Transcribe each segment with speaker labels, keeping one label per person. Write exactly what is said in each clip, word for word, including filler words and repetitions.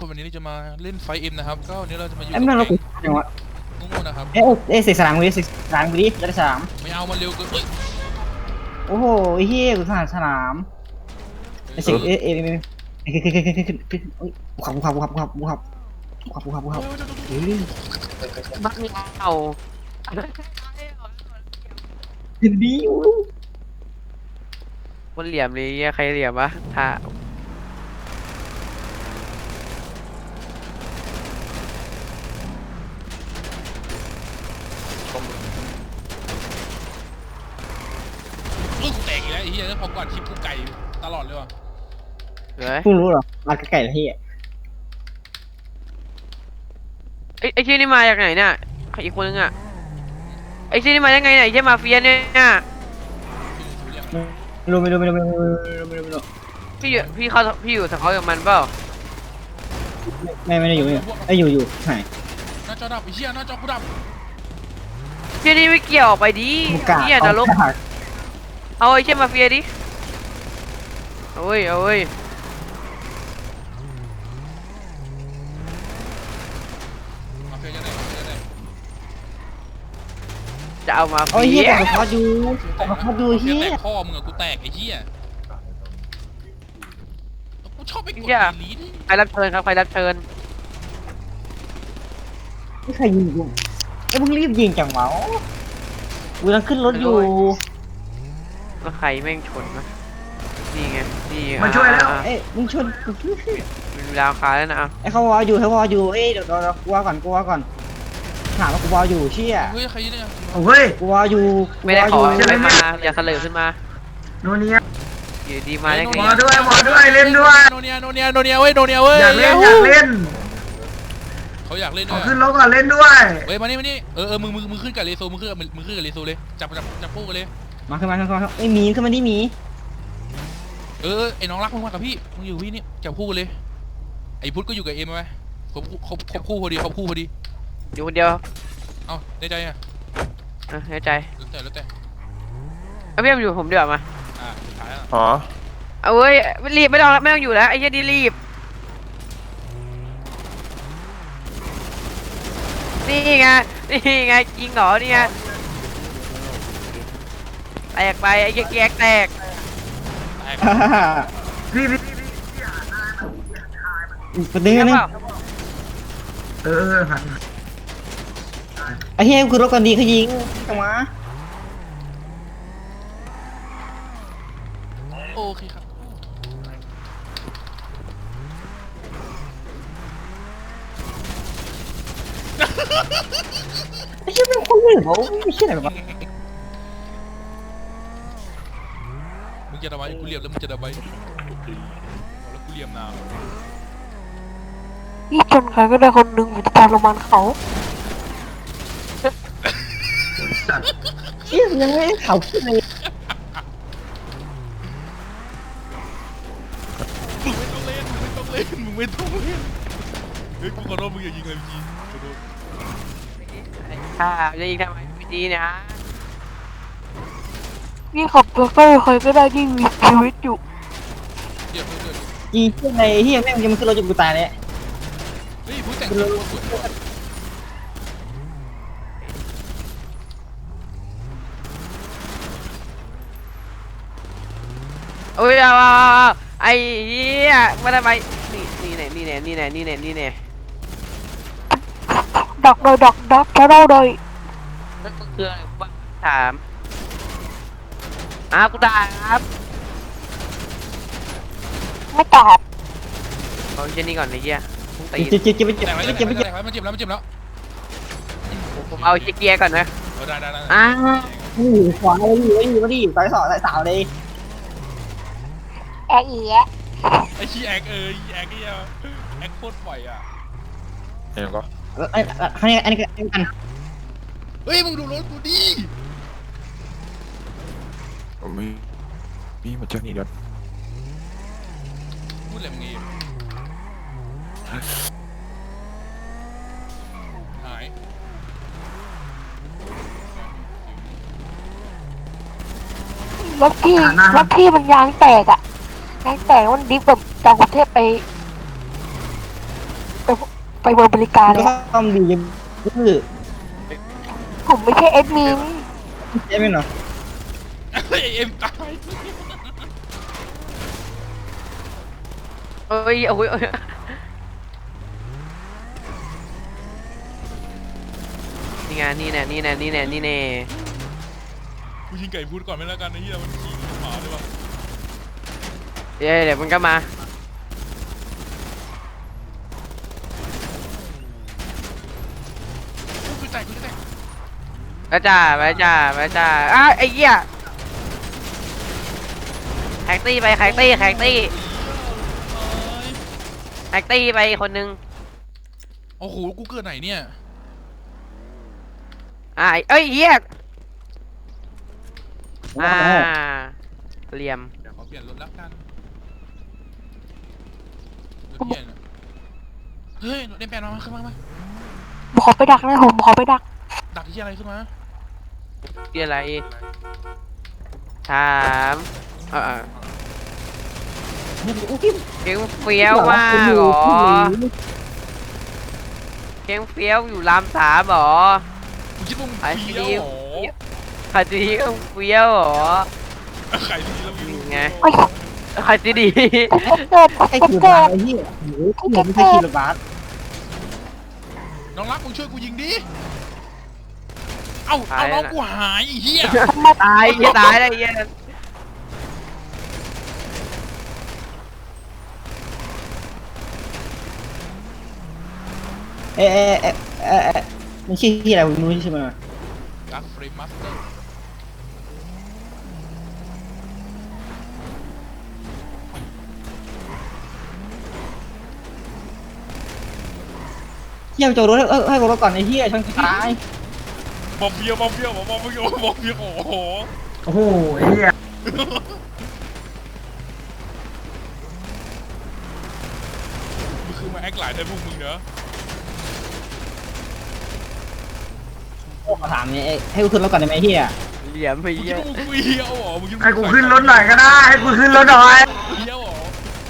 Speaker 1: วันนี้เราจะมาเล่นไฟเอ็มนะครับก็วันนี้เราจะมาอยู่
Speaker 2: ไอ้
Speaker 1: กับ
Speaker 2: แม่งเรา
Speaker 1: แก๊
Speaker 2: กู
Speaker 1: ง
Speaker 2: จังวะ
Speaker 1: โง่ๆนะครับ
Speaker 2: เอ้ยเอ้ยเสกสนามกูดิเสกสนามกูดิจะได้สนาม
Speaker 1: ไม่เอามันเร็วเกินเฮ้ย
Speaker 2: โอ้โหไอ้เหี้ยกูสนามสนามไอ้เสกเอ้ยเอ้ยเอ้ยเอ้ยเอ้ยขึ้นขึ้นขึ้นขึ้นขึ้นขึ้นเอ้ยกูขับกูขับกูขับกูขับกูขับกูขับกูขับกูขับเฮ้ย
Speaker 3: บ้านเอา
Speaker 2: ยินดีอยู่
Speaker 3: คนเหลี่ยมเลยใครเหลี่ยมวะถ้า
Speaker 1: ลูกกูแตกอีกแล้วไอ้เหี้ยแล้วพอกวาดคลิปกูไก่ตลอดเลยว่ะ
Speaker 3: เฮ้ย
Speaker 2: กูรู้เหรอมาไก่ละเหี้ย
Speaker 3: ไอ้ไอ้ที่นี่มาจากไหนเนี่ยอีกคนนึงอ่ะไอ้ที่นี่มายังไงเนี่ยไอ้ที่มาเฟียเนี่ย
Speaker 2: ไม่รู้ไม่รู้ไม่รู้ไม่รู้ไม่รู้ไม่รู้ไม่รู้
Speaker 3: พี่อยู่พี่เขาพี่อยู่สังเขากับมันเปล่า
Speaker 2: ไม่ไม่ได้อยู่เนี่ยไอ้ยอยู่อยู่ไหน
Speaker 1: หน้าจอดับไอ้เหี้ยหน้าจอกูดับ
Speaker 3: ที่นี่ไม่เกี่ยวออกไปดิ
Speaker 2: มึงกล้า
Speaker 3: เนี่ยนรก
Speaker 2: เอา
Speaker 3: เอาไอ้ที่มาเฟียดิเอาเว้ยเอาเว้ย
Speaker 1: มาเฟียจะไหนมาเฟียจะไหน
Speaker 3: จะเอามา
Speaker 2: โอ้ย
Speaker 3: เฟี
Speaker 2: เหี้ย
Speaker 3: ย
Speaker 2: แต่เขาอยู่แต่เขาอยู่
Speaker 1: มาเฟีย
Speaker 2: เหี้
Speaker 1: แต
Speaker 2: ย
Speaker 1: กพ่อมึงอะกูแตกไอ้เหี้ยกูชอบไปกด
Speaker 3: เหี้ย
Speaker 1: ดีลีท
Speaker 3: ใครรับเชิญครับใครรับเชิญ
Speaker 2: ไม่เคยยิงกูไอ้ยมึงรีบยิงจังวะกูกำลังขึ้นรถอยู่
Speaker 3: แล้วใครแม่งชนวะนี่ไงนี่
Speaker 4: มาช่วยแล้ว
Speaker 3: อ่ะ
Speaker 2: เอ้ยมึงชนกู
Speaker 3: มีเวลาคาแล้วนะเอา
Speaker 2: ไอ้เขาวออยู่เขาวออยู่เอ้ยเดี๋ยวเดี๋ยวเดี๋ยวกูวอก่อนกูวอก่อนถามว่ากูวออยู่เชี่ย
Speaker 1: เฮ้ยใครเนี่ย
Speaker 4: เฮ้ย
Speaker 2: กูวออยู่กู
Speaker 3: ไม่ได้
Speaker 2: ว
Speaker 3: ขอ
Speaker 2: อยู่
Speaker 3: ไม่มาอย่าเสลอขึ้นมา
Speaker 4: โนเนีย
Speaker 3: อยู่ดีมาได้ไง
Speaker 4: หมอด้วยหมอด้วยเล่นด้วย
Speaker 1: โนเนียโนเนียโนเนียเว้ยโนเนียเว้ย
Speaker 4: อยากเล่นอยากเล่น
Speaker 1: เขาอยากเล่น
Speaker 4: ข
Speaker 1: ด้
Speaker 4: อ
Speaker 1: วย
Speaker 4: ขึ้นรถก่อนเล่นด้วย
Speaker 1: เฮ้ยมานี่มานี่เออเออมึงมึงมึงขึ้นกับเรโซมึงขึ้นกับมึงขึ้นกับเรโซเลยจับจับจับคู่กันเลย
Speaker 2: มาขึ้นมาขึ้นมาไอ้ยหมีขึ้นมาดิหมี
Speaker 1: เออไอ้น้องรักมึงมากับพี่มึงอยู่พี่นี่จับคู่กันเลยไอ้พุทธก็อยู่กับเอ็มไหมครบครบครบคู่พอดีครบคู่พอดี
Speaker 3: อยู่คนเดียว
Speaker 1: เอ้าได้ใจอ่ะ
Speaker 3: เออในใจ
Speaker 1: แล้วแต่แล้วแต่
Speaker 3: เอาพี่มาอยู่ผมเดี๋ยวมา
Speaker 1: อ่าสุดท้ายอ่ะ
Speaker 5: อ๋อ
Speaker 3: เอาเว้ยรีบไม่ต้องไม่ต้องอยู่แล้วไอ้เหี้ยนี่รีบนี่ไงนี่ไงจริงเหรอนี่ไงแตกไปไอ้เหี้ยแก๊กแตก
Speaker 1: แตก
Speaker 4: พี่พี่
Speaker 2: ประเด็น
Speaker 3: ใช่
Speaker 2: นึง
Speaker 3: เปล่า
Speaker 4: เออหัน
Speaker 2: ไอ้เหี้ยคือรถกันดีเขายิงจังวะ
Speaker 1: โอเคครับ
Speaker 2: ไอ้เหี้ยเป็นคนเลยเหรอไม่ใช่อะไรแบบ
Speaker 1: มึงจะทำไมกูเรียบแล้วมึงจะทำไมแล้วกูเรียบนาว
Speaker 6: นี่ชนใครก็ได้คนหนึ่งผมจะทรมานเขา
Speaker 2: เหี้ยยังไม่เขาขึ้นเลย
Speaker 1: มึงไม่ต้องเล่นมึงไม่ต้องเล่นมึงไม่ต้องเล่นเฮ้ยกูขอโทษมึงอย่ายิงเลยพี่ขอโทษ
Speaker 3: ค่ะจะยิงทำไมไม่ดีนะ
Speaker 6: นี่ขับรถไปใครก็ได้ที่มีชีวิตอยู่
Speaker 1: เดี๋ยวเพื่อน
Speaker 2: ยิงขึ้นในเหี้ยแม่งยังมันขึ้นรถจนกูตายเลย
Speaker 1: เฮ้ยพูดแต่งตัวสวยว่ะ
Speaker 3: โอ้ยเอาเอาเอาไอ้เหี้ยมาทำไมนี่นี่แน่นี่แน่นี่แน่นี่แน่นี่แน่
Speaker 6: ดักโดยดักดักแค่เราโดย
Speaker 3: นั่นก็คืออะไรบ้างถามอ้าวกูตายครับ
Speaker 6: ไม่ตอบ
Speaker 3: เอาเช่นนี้ก่อนไอ้เหี้ยพุ่งตี
Speaker 2: เจ็บเจ็บเจ็บเจ็บ
Speaker 1: แต่งไว้
Speaker 2: เจ็บ
Speaker 1: แต่
Speaker 2: เจ็
Speaker 1: ง
Speaker 2: บ
Speaker 1: ไว้
Speaker 2: เจ็บ
Speaker 1: แต่งไว้มันเจ็บแล้วมันเจ็บแล้ว
Speaker 3: ผมเอาเช็คเกียร์ก่อนนะ
Speaker 1: เออได้ได้ได้
Speaker 3: อ้าว
Speaker 2: อยู่ขวาเลยอยู่อยู่มาดิสายสองสายสาวเลย
Speaker 6: แอะเอีย
Speaker 1: ไอ้ชี้แอกเออแอกไอ้เหี้ยแอกโคตรปล่อยอ่ะ
Speaker 5: เห็นก็
Speaker 2: ไอ้อันนี้อันนี้อันนี้กัน
Speaker 1: เฮ้ยมึงดูรถกูดิ
Speaker 5: มีมีมาจากนี่ก่อน
Speaker 1: พูดอะไรมึงเองหาย
Speaker 6: รถที่รถที่มันยางแตกอะยางแตกมันดิฟแบบจากกรุงเทพไปไปไปบริการ
Speaker 2: ก็
Speaker 6: เลยอะ
Speaker 2: ซ่อมดียังคือ
Speaker 6: ผมไม่ใช่แอดมิน
Speaker 2: ใช่ไหมเนาะ
Speaker 1: เฮ้ยเอ็มตาย
Speaker 3: เอ้ยโอ้ยโอ้ยนี่ไงนี่แน่นี่แน่นี่แน่นี่แน่
Speaker 1: กูยิงไก่พูดก่อนไม่แล้วกันไอ้เหี้ยมันขี่หมาด้วยวะ
Speaker 3: เดี๋ยวเดี๋ยวมันก็มา
Speaker 1: กูจะแตกกูจะแตก
Speaker 3: ไปจ้าไปจ้าไปจ้าอ้าวไอ้เหี้ยแฮกตี้ไปแฮกตี้แฮกตี้แฮกตี้ไปคนนึง
Speaker 1: โอ้โหกูเกิดไหนเนี่ย
Speaker 3: อ่าเอ้ยเหี้ยอ่าเหลี่ยม
Speaker 1: เดี๋ยวขอเปลี่ยนรถแล้วกันรถเปลี่ยนอะเฮ้ยรถเอ็มแปดมามาขึ้นมามา
Speaker 6: ขอไปดักนะผมขอไปดัก
Speaker 1: ดักที่อะไรขึ้นมา
Speaker 3: ที่อะไรถามเออเก่งเฟี้ยวมากเหรอเก่งเฟี้ยวอยู่รามสามเหรอ
Speaker 1: มึงคิดว่ามึง
Speaker 3: ไอ้
Speaker 1: เฟี้
Speaker 3: ที่
Speaker 1: ยวเหรอ
Speaker 3: ใครที่เก่งเฟี้ยวเหรอ
Speaker 1: ไข่ดีแล้วมึง
Speaker 3: ไง
Speaker 6: ไอ้
Speaker 3: ใครที่ดี
Speaker 6: เกิด
Speaker 2: ไอ้
Speaker 6: เกิด
Speaker 2: ขี่รถ
Speaker 6: เกิ
Speaker 2: บัส
Speaker 6: ด
Speaker 2: ไอ้เหี้ยโอ้โหไม่ใช่ขี่รถบัส
Speaker 1: น้องรักมึงช่วยกูยิงดิ เอ้าเอาน้องกูหายไอ้เหี้ย
Speaker 3: ตายอย่าตายเลยเหี้ย
Speaker 2: เอ๊ะเอ๊ะเอ๊ะเอ๊ะเอ๊ะมันชื่อที่อะไรมึงรู้ใช่ไหม
Speaker 1: ดักเฟรมมาสเตอร์
Speaker 2: เหี้ยโจรถเออให้รถก่อนไอ้เหี้ยชนตาย
Speaker 1: บอมเบี้ยวบอมเบี้ยวบอมเบี้ยวบอมเบี้ยวโอ้โห
Speaker 4: โอ้โหไอ้เหี้ย
Speaker 1: มึงคือมาแอคหลายได้พวกมึงเนอะ
Speaker 2: โอ้ขอถามเนี่ยเอ๊ะให้กูขึ้นรถก่อนได้ไหมเหี้ย
Speaker 3: เหลี่ยมไป
Speaker 1: มึงคิ
Speaker 3: เหี้
Speaker 1: ด
Speaker 3: ย
Speaker 1: ว่ามึงเฟี้ยวเหรอมึงคิดว่า
Speaker 4: ให้กูขึ้นรถหน่อยก็ได้ให้กูขึ้นรถหน่อย
Speaker 1: เฟี้ยวเหรอ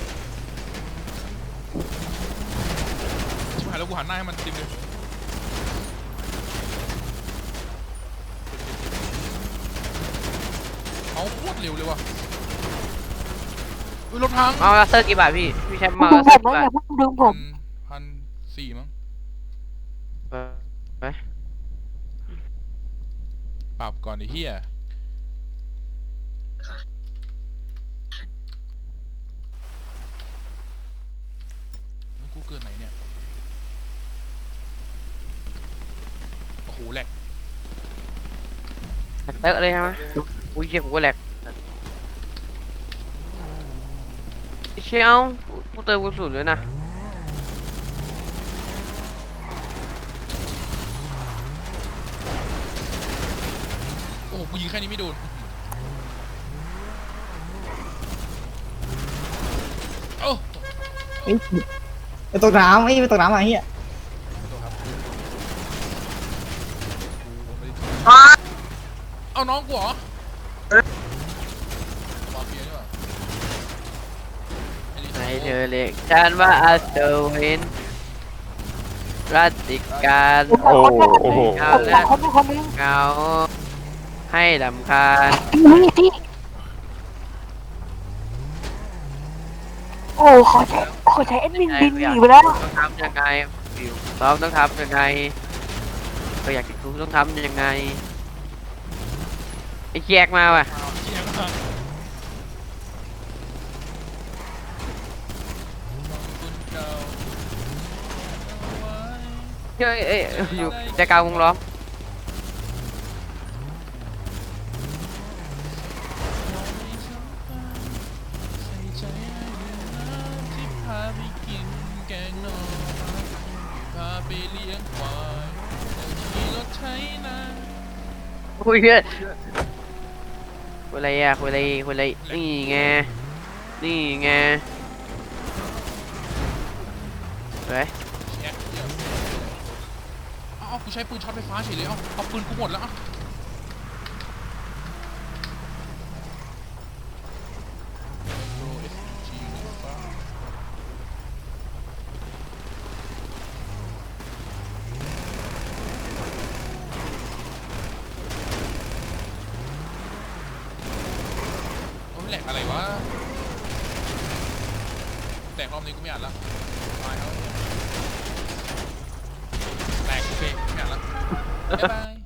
Speaker 1: ชิบหายแล้วกูหันหน้าให้มันเต็มเลยเอาโคตรเร็วเลยว่ะเฮ้ยรถพัง
Speaker 3: เอาเซอร์กี่บาทพี่พี่แชมป์
Speaker 6: ดึ
Speaker 3: มาง
Speaker 6: ผ
Speaker 3: เซอร์
Speaker 6: ม
Speaker 3: กี่
Speaker 6: นะ
Speaker 3: บา
Speaker 6: อ
Speaker 3: ท
Speaker 6: ย่าเพิ่งดึงผ
Speaker 1: พั
Speaker 6: ม
Speaker 1: นพันสี่มั้ง
Speaker 3: เออไป
Speaker 1: ปรับก่อนไอ้เหี้ยแล้วกูเกิดไหนเนี่ยโอ้โหแหลก
Speaker 3: เตอะเลยใช่ไหมอุ้ยเชี่ยกูก็แหลกเชี่ยเอากูเติมกูสุดเลยนะ
Speaker 1: โอ้โหกูยิงแค่นี้ไม่โดนโอ้
Speaker 2: ไอ้ไปตกน้ำไอ้ไปตกน้ำมาเหี้ย
Speaker 4: อ้า
Speaker 1: เอาน้องกูเหรอ
Speaker 4: เอ๊ะ
Speaker 1: มาเฟียนี่หว่าไอ้นี่
Speaker 3: ไหนเธอเรียกฉันว่าอัศวินรัตติการ
Speaker 5: โอ้โอ้โห
Speaker 3: เอา
Speaker 6: ผมส
Speaker 3: และ
Speaker 6: องคนเป็นคนนึง
Speaker 3: เงาให้ลำคาญ
Speaker 6: พี่พี่โอ้ขอใช้ขอใช้แอดมินบินหนีไปแล้ว
Speaker 3: ต้องทำยังไงฟิวซ้อมต้องทำยังไงก็อยากจะรู้ต้องทำยังไงไอ้แยกมาว่ะ
Speaker 1: เจียงมากคุณเก่าเอาไว้
Speaker 3: เฮ้ยเอ้ยอยู่ใจกลางวงล้อม
Speaker 1: ใส่ใจให้น้ำที่พาไปกินแกงนอนพาไปเลี้ยงควายขี่รถไถนา
Speaker 3: คุยเพื่อนคุยอะไรอ่ะคุยอะไรคุยอะไรนี่ไงนี่ไงเฮ้ย
Speaker 1: แอ๊ะเดี๋ยวเอาเอากูใช้ปืนช็อตไฟฟ้าเฉยเลยเอาเอาปืนกูหมดแล้วเอาโปร เอส จี ไฟฟ้าอะไรวะแต่รอบนี้กูไม่อ่านละตายแล้วแตกโอเคไม่อ่านละบ๊ายบาย